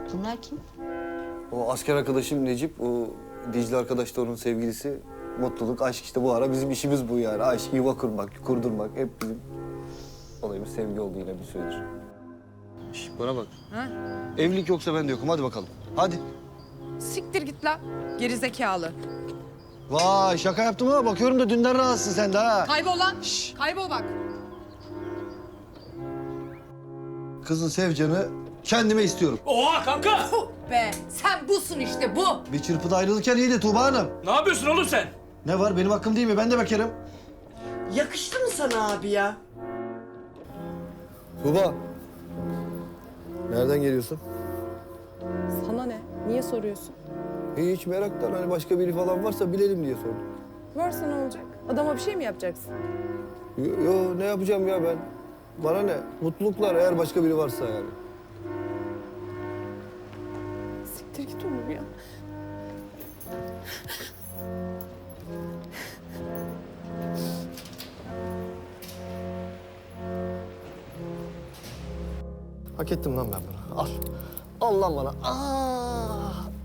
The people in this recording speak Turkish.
Bunlar kim? O asker arkadaşım Necip, o Dicle arkadaş da onun sevgilisi. Mutluluk, aşk işte bu ara bizim işimiz bu yani. Aşk, yuva kurmak, kurdurmak hep bizim olayımız sevgi oldu yine bir süredir. Şş, bana bak. Ha? Evlilik yoksa ben de yokum. Hadi bakalım. Hadi. Siktir git lan. Gerizekalı. Vay şaka yaptım ha. Bakıyorum da dünden rahatsın sen de ha. Kaybol lan. Şş. Kaybol bak. Kızın Sevcan'ı kendime istiyorum. Oha kanka! Be sen busun işte bu. Bir çırpıda ayrılırken iyiydi Tuğba Hanım. Ne yapıyorsun oğlum sen? Ne var benim hakkım değil mi? Ben de bakarım. Yakıştı mı sana abi ya? Tuğba. Nereden geliyorsun? Sana ne? Niye soruyorsun? Hiç meraktan hani başka biri falan varsa bilelim diye sordum. Varsa ne olacak? Adama bir şey mi yapacaksın? Yo ne yapacağım ya ben? Bana ne? Mutluluklar eğer başka biri varsa yani. Siktir git Onur ya. Hak ettim lan ben bunu. Al. Al lan bana. Aa,